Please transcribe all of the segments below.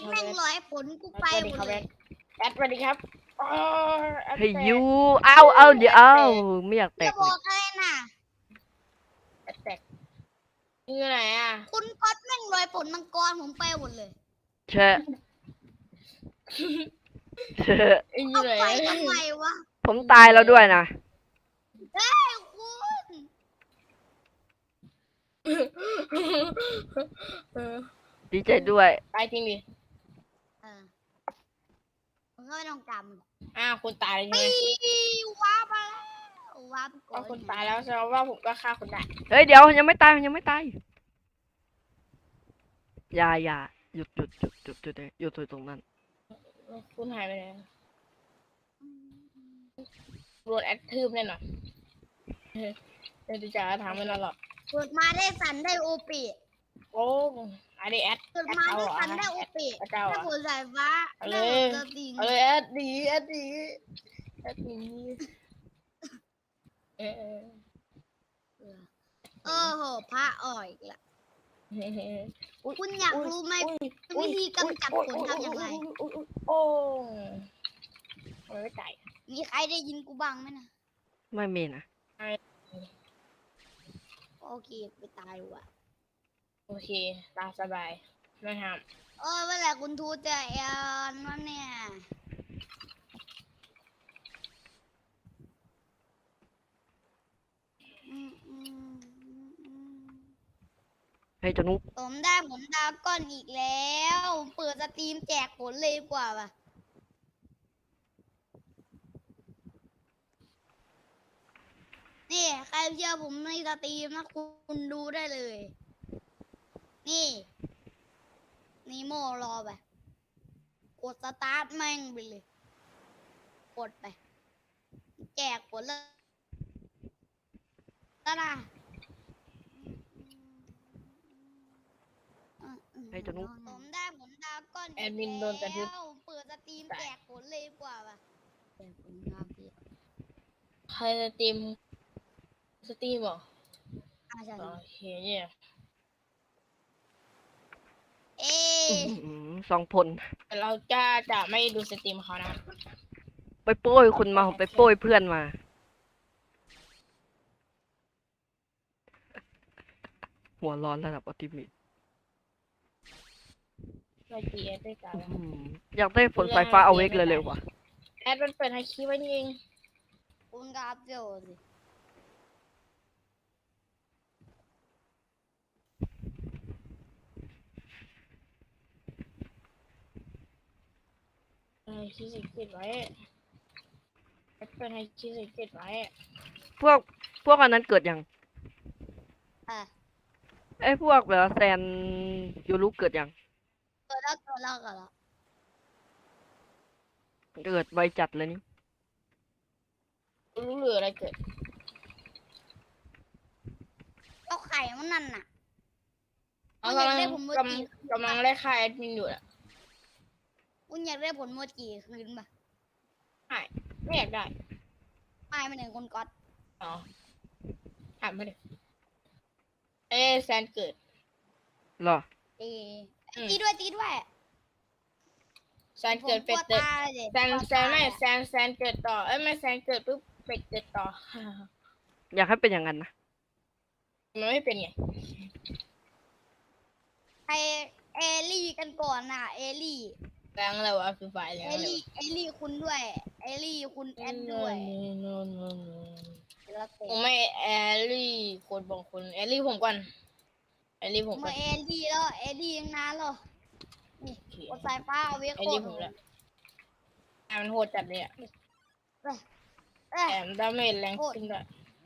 แม่งร้อยผลกูไปหมดเลยแอดสวัสดีครับเฮ้ยยูเอาเดี๋ยวเอาไม่อยากแตจะกบเลยอกเลยน่ะแอดแตกอยู่ไหนอ่ะคุณก๊อตแม่งร้อยผลมังกรผมไปหมดเลยเชอะเชอะอเอายู่ไหนไปทำไมวะผมตายแล้วด้วยนะเฮ้ยคุณดีใจด้วยตายจริงดิเออมึงก็ไม่ต้องจำคุณตายเลยใช่ไหมว้าบมาแล้วว้าบก่อว่าน คุณตายแล้วแสดงว่าผมก็ฆ่าคุณได้เฮ้ยเดี๋ยวยังไม่ตายยังไม่ตายอย่าหยุดตรงนั้นคุณหายไปไหนโดนแอดทืบแน่นอนเดี๋ยวจะถามไม่นานหรอกเกิดมาได้สันได้โอปิโอ้ไอเดียแอดเกิดมาได้สันได้โอปิเจ้าได้อ่ะผลสายฟ้าเอาเลได้ยผลสติงเอาเลยแอดดีเออโอ้โหพระอ่อยอีกละคุณอยากรู้ไหมวิธีกำจัดผลทำอย่างไรโอ้ไม่ไก่มีใครได้ยินกูบ้างไหมนะไม่มีนะโอเคไปตายว่ะโอเคตามสบายไม่ห้ามเมื่อไหร่คุณทูจะเอ็นวะเนี่ยอืมเฮ้ยเจานุกผมได้ผลดาวก้อนอีกแล้วเปิดสตรีมแจกผลเลยดีกว่าว่ะนี่ใครเชื่อผมในสตรีมนะคุณดูได้เลย นี่นีโมรอไปกดสตาร์ทแม่งไปเลยกดไปแจกผลแล้วนะเฮ้ยเจานุกผมได้ผลดาวก้อนแอดมินโดนกระทืบแล้วเปิดสตรีมแจกผลเลยดีกว่าว่ะแจกผลดาวพี่ใครสตรีมเหรอใช่โอเคเนี่ยเอ๊สองผลแต่เราจะไม่ดูสตรีมเขานะไปโป้ยคุณมาผมไปโป้ยเพื่อนมา หัวร้อนระดับออติมิตเราจีแอดด้วยกันอยากได้ผลสายฟ้าเอาเวกเลยว่ะแอดมันเปิดไฮคีไว้นี่เองคุณกราฟเดียวสิไฮคีสิเก็บไว้แอดเปิดไฮคีสิเก็บไว้พวกอันนั้นเกิดยังอ่ะไอ้พวกแบบแซนยูรุเกิดยังเกิดแล้วเกิดแล้วเกิดแล้วเกิดไวจัดเลยนี่รู้เหลืออะไรเกิดเอาไข่มันนั่นน่ะกำอยาลักงได้ผลโมจิกำลังไล่ฆ่าแอดมินอยู่อ่ะคุณอยากได้ผลโมจิคืนปะไม่อยากได้ไม่มาหนึ่งคุณก๊อตอ๋อถามมาดิแซนเกิดเหรอตีอืมตีด้วยตีด้วยแซนเกิดเป็ดผมกเกิลัดวตายเลยแซนเกิดต่อไม่แซนเกิดปุ๊บเป็ดเกิดต่ออยากให้เป็นอย่างนั้นนะมันไม่เป็นไงใครเอลี่กันก่อนน่ะเอลี่แรงอะไรวะคือฝ่ายแรงเออะไรลี่เอลี่คุณด้วยเอลี่คุณแอดด้วยแล้วแต่ผมไม่แอลลี่คนบางคนแอลลี่ผมก่อนแอลลี่ผมก่มาอนเอลี่แล้วเอลี่ยังนานหรอนี่กดสายฟ้าเอาไว้แอโคลลี่ตผมรแล้วมันโหดจัดเลยอ่ะเอ้ยแถมดาเมจแรงขึ้นด้วย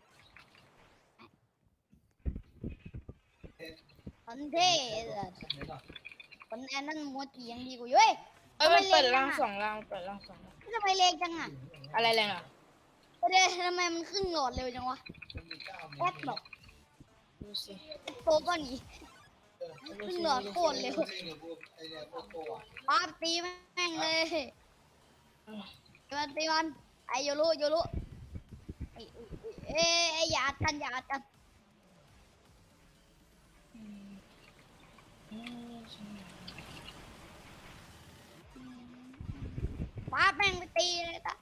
คนเท่เลยคนแอนนั่นโมจิยังดีกว่าอยู่เว้ยมันเปิดร่างสองร่างเปิดร่างสองร่างทำไมเล็กจังอ่ะอะไรแรงอ่ะเดี๋ยวทำไมมันขึ้นโหลดเร็วจังวะแอดบอกดูสิโตก็หนีขึ้นโหลดโคตรเร็วป้าบตีแม่งเลยตีมันไอโยรุเอ้ยอย่าอัดกันอย่าอัดกันตีเลยนะ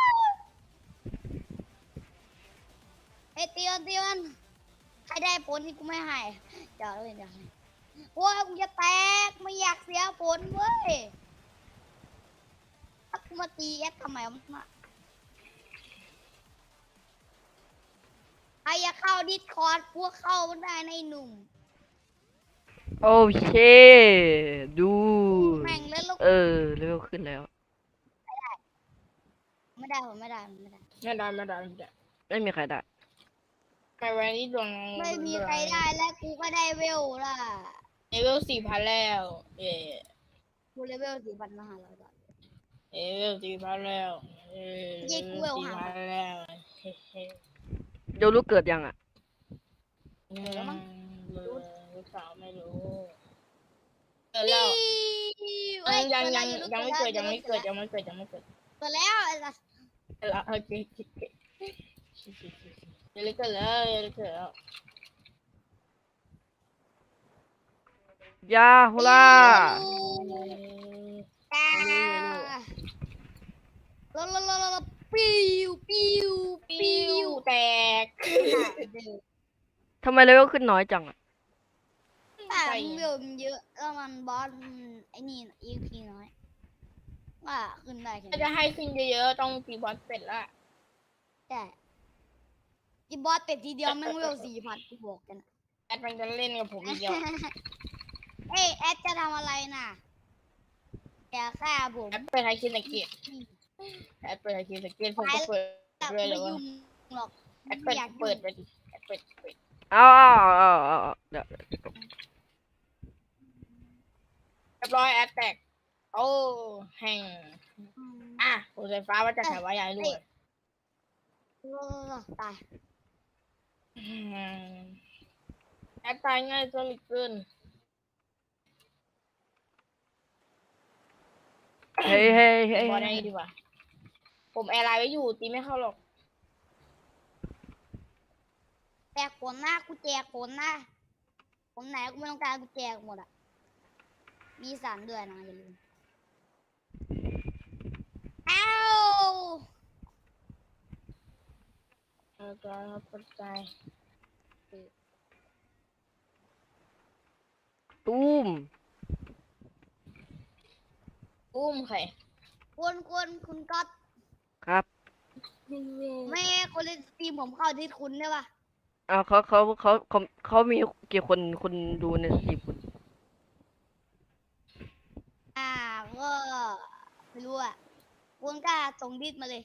ไอ้ตีมันใครได้ผลนี่กูไม่ให้เดี๋ยวเลยโอ้ยกูจะแตกไม่อยากเสียผลเว้ยถ้ากูมาตีแอดทำไมมันมาใครอยากเข้าดิสคอร์ดพวกเข้าได้ในหนุ่มโอเคดูแม่งเล่นลูกเลเวลขึ้นแล้วไม่ได้ผมไม่ได้ไม่ได้ไม่มีใครได้ไปวันนี้ดวงไม่มีใครได้และกูก็ได้เวลล่ะเลเวล4,000แล้วเย่กูเลเวล4,500บาทเลเวล4,000แล้ว4,000แล้วเฮ้โยรู้เกิดยังอ่ะลูกสาวไม่รู้เกิดแล้วยังไม่เกิดเกิดแล้วไอ้สัสแล้วโอเคเกิดแล้วยาฮูล่าลปิ้วแตกทำไมเลเวลขึ้นน้อยจังอ่ะแต่เวลมันเยอะแล้วมันบอสไอ้นี่ EP น้อยว่าขึ้นได้แค่ถ้าจะให้ขึ้นเยอะๆต้องตีบอสเป็ดละแต่ที่บอสเป็ดทีเดียวแม่งเวล4,000กูบอกกันแอดมันจะเล่นกับผมอีกเดียวเอ้ยแอดจะทำอะไรน่ะอย่าฆ่าผมแอดเปิดไฮคินสเกตผมก็เปิดด้วยเลยไม่ว่ายุ่งหรอกแอดเปิดไปดิแอดเปิดเอาเดี๋ยวเรียบร้อยแอดแตกโอ้แห่งผมไฟฟ้าว่าจะขายไว้ยายด้วยตายแอดตายง่ายซะเหลือเกินเฮ้ยบอลได้ดีกว่าผมแอร์ไลน์ไว้อยู่ตีไม่เข้าหรอกแจกผลหน้ากูแจกผลนะผมไหนกูไม่ต้องการกูแจกหมดอ่ะมีสารด้วยนะอย่าลืมอ้าวแล้วก็ปัจจัยตุ้มอุ้มใครคุณก็ครับแม่คนเล่นสตรีมผมเข้าที่คุณได้ปะเอาเขามีกี่คนดูในสตรีมคุณก็ไม่รู้อ่ะคุณกล้าส่งดิสมาเลย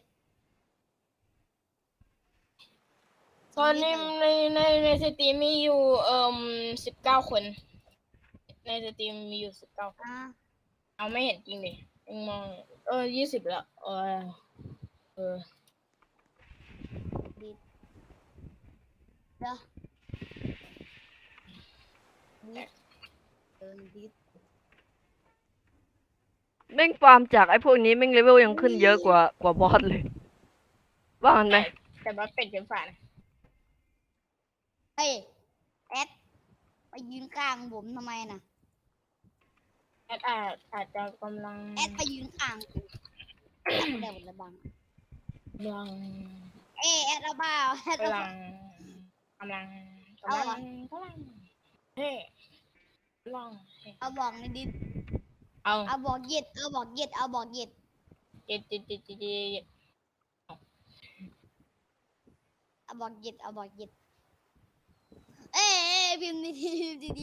ตอนนี้ในสตรีมมีอยู่19 คนในสตรีมมีอยู่19 คนเอาไม่เห็นจริงดิยังมอง20แล้วดิสเด้อดิสแม่งฟาร์มจากไอ้พวกนี้แม่งเลเวลยังขึ้นเยอะกว่าบอสเลยว่ามันไหมแต่ว่าเป็ดเป็นฝ่านะเฮ้ยแอดไปยืนข้างผมทำไมน่ะแอดอาจจะกำลังแอดไปยืนข้างกูแอดไม่ได้หมดเลยบังแอดเอาเปล่าแอดเอากำลังเฮ้ลองเอาบอกในดินเอาเอาบอกเย็ดเอาบอกเย็ดเอาบอกเย็ดเจ็ดเอาบอกเย็ดเอาบอกเย็ดเอ้ยพิมพ์ดีดี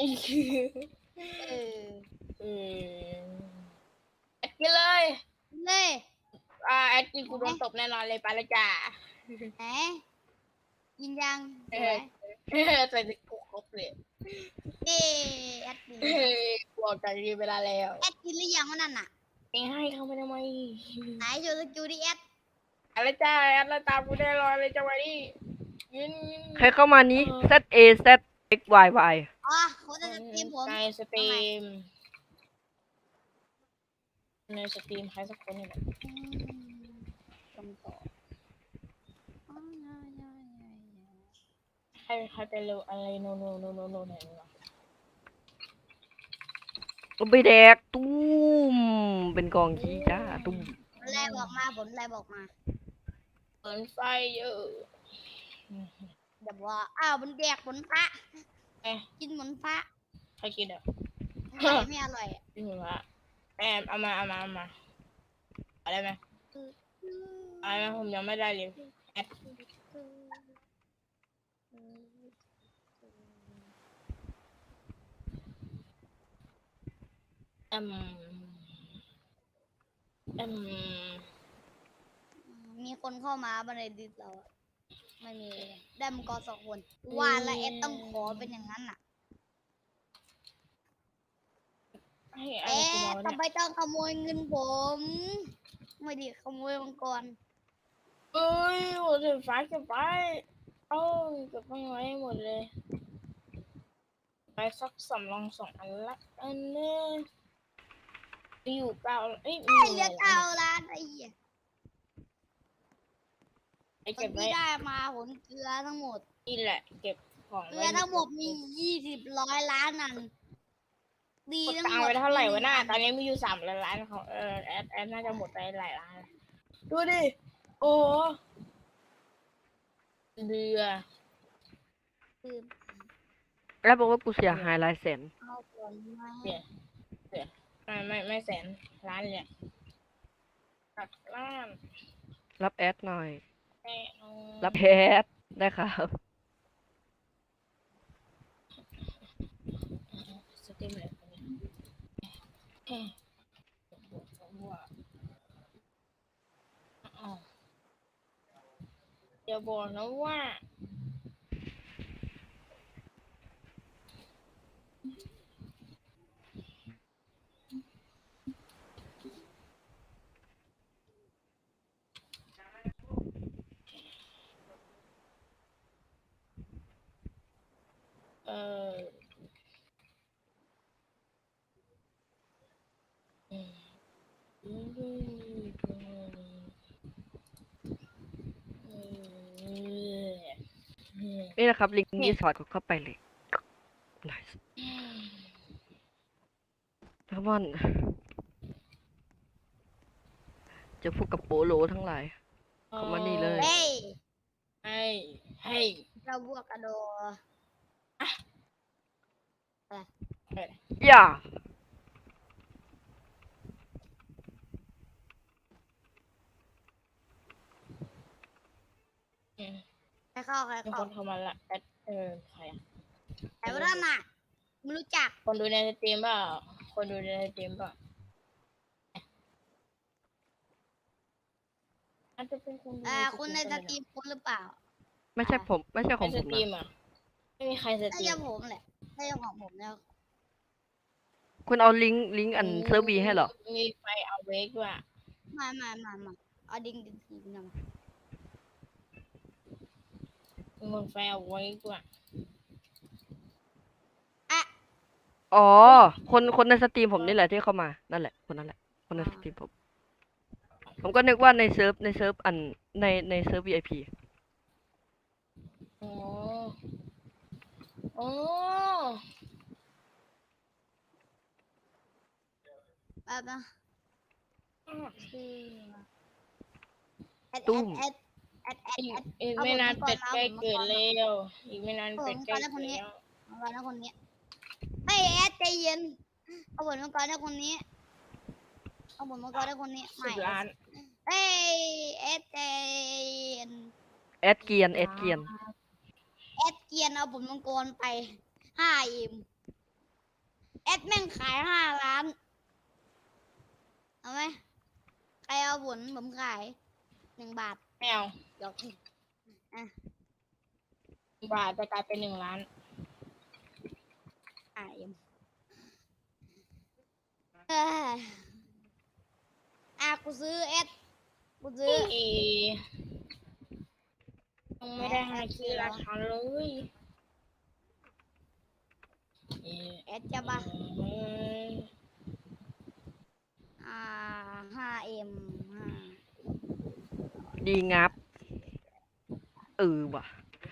แอดกินเลยเลยแอดกินกูโดนตบแน่นอนเลยไปละจ้าไหนกินยังใส่กูครบเลยแอดกินบอกใจดีเวลาแล้วแอดกินหรือยังวะนั่นน่ะเองให้เขาไม่ทำไมไหนโชว์สกิลดิแอดอะไรจ้าแอดแล้วตามกูได้รอยเลยจังหวะนี้ยืนใครเข้ามานี้ ZA ZXYY อ๋อเขาจะสตรีมผมในสตรีมใครสักคนนี่แหละส่งต่อใครไปเร็วอะไรโนไหนวะก็ไปแดกตุ้มเป็นกองขี้จ้าตุ้มผลแรกบอกมาผลแรกบอกมาเปิดไฟเยอะเดี๋ยวว่าอ้าวมันแดกผลพระเอ๊ะกินผลพระใครกินอ่ะไม่อร่อยอะกินหมดละแอมเอามาเอาได้ไหมเอาได้ไหมผมยังไม่ได้เลยแอดอืมมีคนเข้ามาบันไดดิสเราอะไม่มีเลยได้มังกร2 คนว่าแล้วเอ็ดต้องขอเป็นอย่างนั้นน่ะให้อะไรเอ๊ะกูมาวะทำไมเนี่ยต้องขโมยเงินผม ไม่ดีขโมยมังกรเอ้ยหมดเลยฟ้าเก็บไปเอ้าเก็บไม่ไว้หมดเลยไปสัก2 อันละอันนึงมีอยู่เอ้ยมีไอ้อยู่เหลือ 9 ล้านไอ้เหี้ยไอ้ผเก็ลบไว้ที่ได้มาผลเกลือทั้งหมดนี่แหละเก็บของเกลือทั้งหมดมี20 ล้านนั่นดีกดทั้งตังหมค์ดไปเท่าไหร่วะหน้ามีตอนนี้มีอยู่3 ล้านของแอดน่าจะหมดไปหลายล้านดูดิโอ้เรือคือแล้วบอกว่ากูเสียหายหลายแสนเอาผลมาไม่แสนล้านเลยหลักล้านรับแอดหน่อยแน่นอนรับแอดได้ครับสเต็มเลยอย่าบอกนะว่าเออนี่นะครับ ลิงก์นี้สอดกดเข้าไปเลย nice ทั้งวันจะพูดกับโปโลทั้งหลาย เข้ามานี่เลยเฮ้ยให้เจ้าบวกกระโดดอย่าใครเข้าใครมีคเข้านเข้ามาละใครอ่ะใครว่านั่นน่ะไม่รู้จักคนดูในสตรีมเปล่าคนดูในสตรีมเปล่าอาจจะเป็นคนดูคุณในสตรีมคุณหรือเปล่าไม่ใช่ผม ไม่ใช่ของในผสมตรีนะมอ่ะไม่มีใครสน่าตรีจะมผมแหละน่าจะของผมแล้วคุณเอาลิงก์อันเซิร์ฟบีให้เหรอมีไฟเอาเวกด้วยมาเอาดิ้งทีนะมามีไฟเอาเวกด้วยอ๋อ คนในสตรีมผมนี่แหละที่เข้ามา นั่นแหละ คนนั้นแหละ คนในสตรีมผม ผมก็นึกว่าในเซิร์ฟอันในเซิร์ฟ VIP อ๋ออ๋อแป๊บนะชื่อแอดตุ้มอีกไม่นานเป็ดใกล้เกิดแล้วอีกไม่นานเป็ดใกล้เกิดแล้วมังกรนะคนนี้ไอ้แอดใจเย็นเอาผลมังกรนะคนนี้เอาผลมังกรนะคนนี้ 10 ล้านเอ้ยแอดใจเย็นแอดเกียนแอดเกียนเอาผลมังกรไป5 เอ็มแอดแม่งขาย5 ล้านเอาไหมใครเอาผลผมขาย1 บาทไม่เอาเดี๋ยวบาทจะกลายเป็น1 ล้าน 5 เอ็มกูซื้อแอดกูซื้อยังไม่ได้ให้ชื่อราคาเลยแอดจะปะ5 เอ็มดีงับ ว่ะ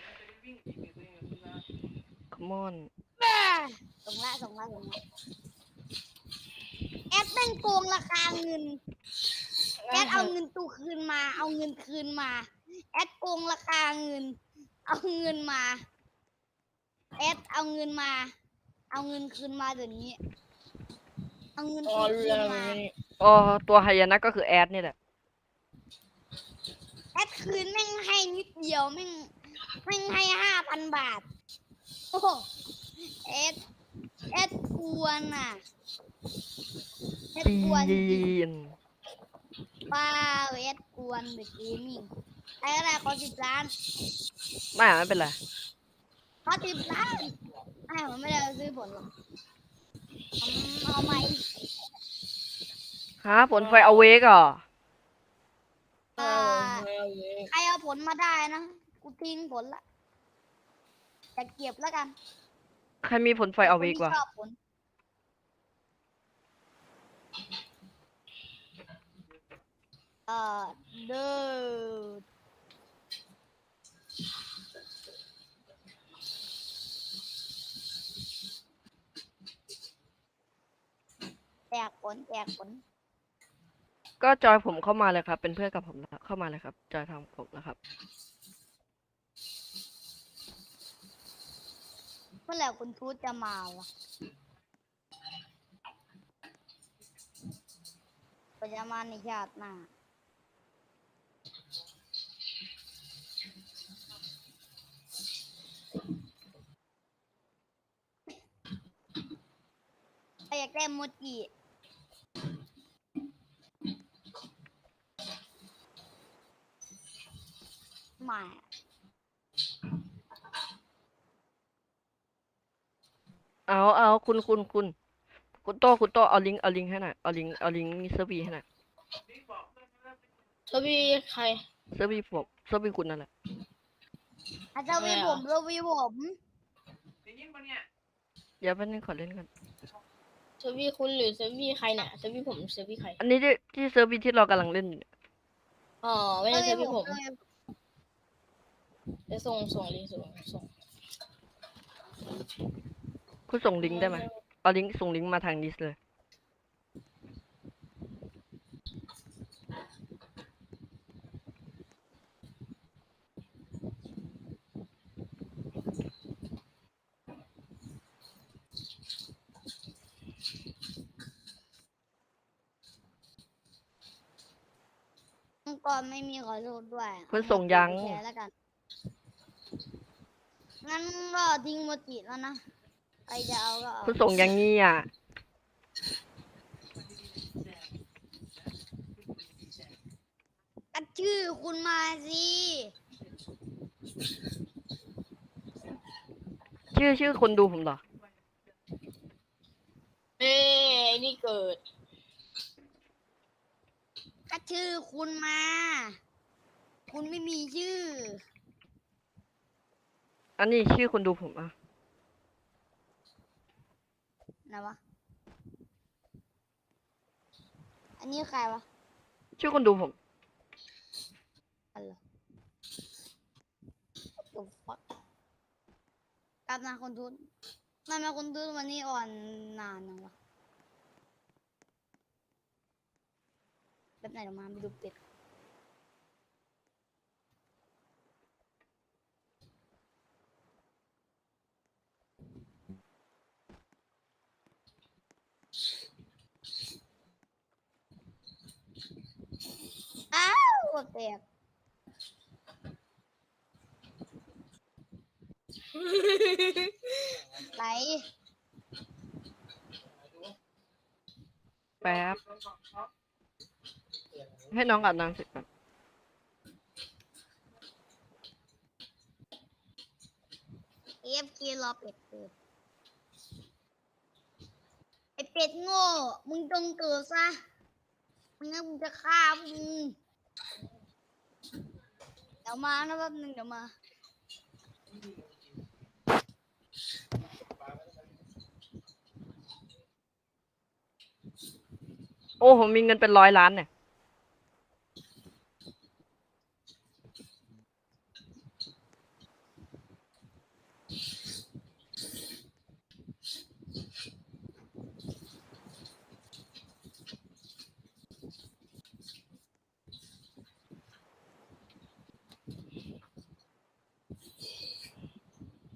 come on ส่งละแอดแม่งโกงราคาเงินแอดเอาเงินตู้คืนมา เอาเงินคืนมา แอดโกงราคาเงิน เอาเงินมา แอดเอาเงินมา เอาเงินคืนมาเดี๋ยวนี้ เอาเงินอ๋อตู้รู้คืแล้วนมาอ๋อตัวไฮยานะก็คือแอดนี่แหละแอดคืนแม่งให้นิดเดียวแม่งให้5,000 บาท โอ้โหแอดกวนอ่ะแอดปีกวนจริงนป้าแอดกวนเดอะเกมมิ่งไอ้อะไรขอ10 ล้านไม่เป็นไรขอ10 ล้านไอ้ผมไม่ได้เอาซื้อผลหรอกเอาไหมฮะผลไฟเอาเวกเหรอใครเอาผลมาได้นะ กูทิ้งผลละจะเก็บแล้วกันใครมีผลไฟเอาเวกคนวะที่ชอบผลเดินแจกผลก็จอยผมเข้ามาเลยครับ เป็นเพื่อนกับผมแล้วเข้ามาเลยครับ จอยทางผมแล้วครับเมื่อไหร่คุณทูตจะมาวะก็จะมาในชาติหน้าใครอยากได้โมจิไม่เอาคุณโต้เอาลิงก์ให้หน่อยเอาลิงก์เซอร์วีให้หน่อยทวีใครเซอร์วีคุณนั่นแหละอาจจะวีผมเราวีผมเดี๋ยวแป๊บนึงขอเล่นกันทวีคุณหรือทวีใครเนี่ยทวีผมทวีใครอันนี้ที่เซอร์วีที่เรากำลังเล่นอยู่เนี่ยอ๋อไม่ใช่ทวีผมเราวีจะส่งเลยส่งคุณส่งลิงก์ได้ไหมเอาลิงก์ส่งลิงก์มาทางดิสเลยองค์กรไม่มีขอโทษด้วยคุณส่งยังเอาโมจิไปแชร์แล้วกัน งั้นก็ทิ้งโมจิแล้วนะ ใครจะเอาก็เอาคุณส่งอย่างนี้อ่ะกัดชื่อคุณมาสิชื่อคนดูผมเหรอนี่เกิดกัดชื่อคุณมา คุณไม่มีชื่ออันนี้ชื่อคนดูผมอ่ะไหนวะ อันนี้ใครวะชื่อคนดูผมอะไรตัวฟักกลับมาคนทุนทำไมคนทุนวันนี้อ่อนนานจังวะแบบไหนออกมาไปดูเป็ดอ้าวแตกไหลแป๊บ ให้น้องอาบน้ำเสร็จก่อน AFK รอเป็ดเกิดไอเป็ดโง่มึงจงเกิดซะมึงงั้นมึงจะฆ่ามึงเดี๋ยวมานะแป๊บนึงเดี๋ยวมาโอ้ผมมีเงินเป็น100 ล้านเนี่ย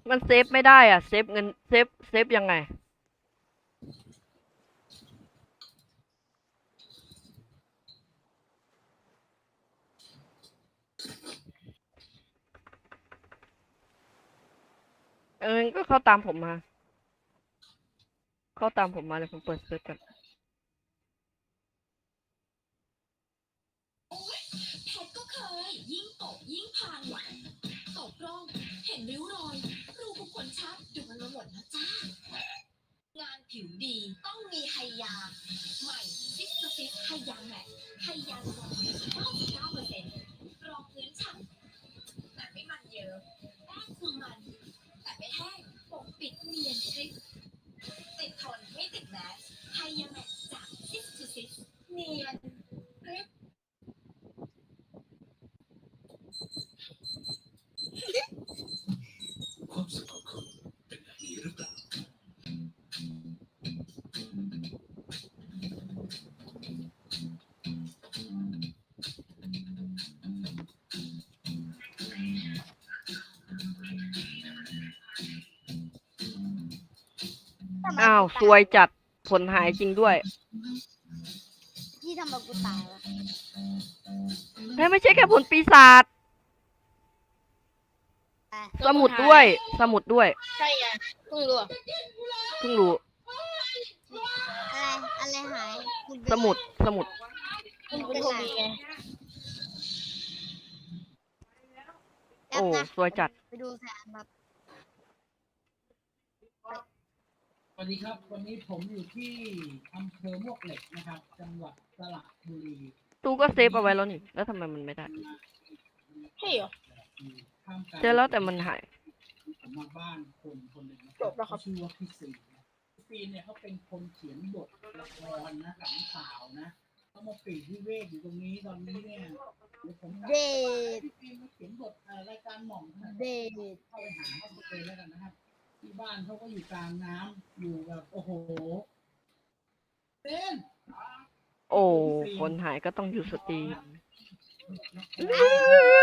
มันเซฟไม่ได้อ่ะ เซฟเงินเซฟยังไง ก็เข้าตามผมมา เข้าตามผมมาเลยผมเปิดเซิร์ชกันแพทก็เคยยิ่งตบยิ่งพังตบร่องเห็นริ้วรอยรูขุมขนชัดดูมันมาหมดแล้วจ้างานผิวดีต้องมีไฮยาใหม่ซิสซิสไฮยาแมทไฮยาลด99%รองพื้นฉ่ำแต่ไม่มันเยอะแป้งคือมันแต่ไม่แห้งปกปิดเนียนคลิปติดทนไม่ติดแมสไฮยาแมทจากซิสเนียนคลิปความสุขของคุณเป็นแบบนี้หรือเปล่าทำไมอ้าวกูซวยจัด ผลหายจริงด้วยพี่ทำไมกูตายวะไม่ใช่แค่ผลปีศาจอ่ะสมุดด้วย สมุดด้วยใช่ไงเพิ่งรู้อะเพิ่งรู้อะไรหายกูดูสมุด สมุดเพิ่งเป็นคนดีไงแป๊โอ้บนะซวยจัดไปดูแสนแบบสวัสดีครับ วันนี้ผมอยู่ที่อำเภอมวกเหล็กนะครับ จังหวัดสระบุรีตู้ก็เซฟเอาไว้แล้วนี่ แล้วทำไมมันไม่ได้ใช่เหรอท่ามกลางเจอแล้วแต่มันหายผมมาบ้านคนหนึ่งนะจบแล้วครับเขาชื่อว่าพี่ซีนะพี่ซีเนี่ยเขาเป็นคนเขียนบทละครนะหนังข่าวนะเขามาปีกวิเวกอยู่ตรงนี้ตอนนี้เนี่ยเดี๋ยวผมเดทพี่ซีมาเขียนบทรายการหม่อมนะเดทเข้าไปหาเขาเลยแล้วกันนะครับ ที่บ้านเขาก็อยู่กลางน้ำอยู่แบบโอ้โหเต้นโอ้ ผลหายก็ต้องอยู่สตรีม